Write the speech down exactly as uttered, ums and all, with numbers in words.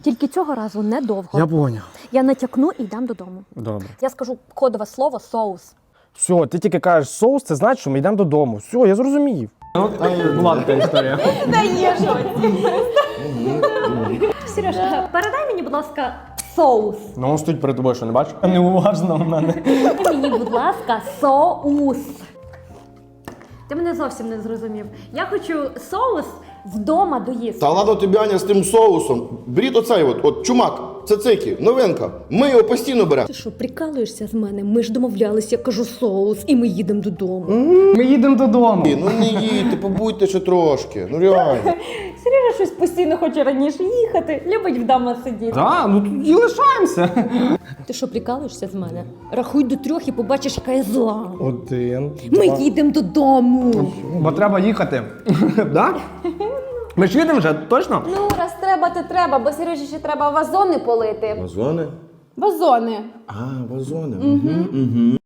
Тільки цього разу недовго. Я поняв. Я натякну і йдемо додому. Добре. Я скажу кодове слово соус. Все, ти тільки кажеш соус, це значить, що ми йдемо додому. Все, я зрозумів. Була така історія. Та є що. Сереж, передай мені, будь ласка, соус. Ну, він стоїть перед тобою, що не бачиш? Неуважно в мене. Мені, будь ласка, соус. Ти мене зовсім не зрозумів. Я хочу соус вдома доїсти. Та ладно тобі, Аня, з тим соусом. Беріть оцей от, от чумак, цицики, новинка. Ми його постійно беремо. Ти що, прикалуєшся з мене? Ми ж домовлялися, я кажу соус, і ми їдемо додому. Ми їдемо додому. Ну не їдьте, побудьте ще трошки. Ну реально. Сережа щось постійно хоче раніше їхати, любить вдома сидіти. Так, ну тут і лишаємося. Ти що, прикалуєшся з мене? Рахуй до трьох і побачиш, яка я зла. Один. Ми їдемо додому. Бо треба їхати. Так? Ми ж їдемо вже, точно? Ну, раз треба, то треба, бо Сережі ще треба вазони полити. Вазони? Вазони. А, вазони. Угу. Угу.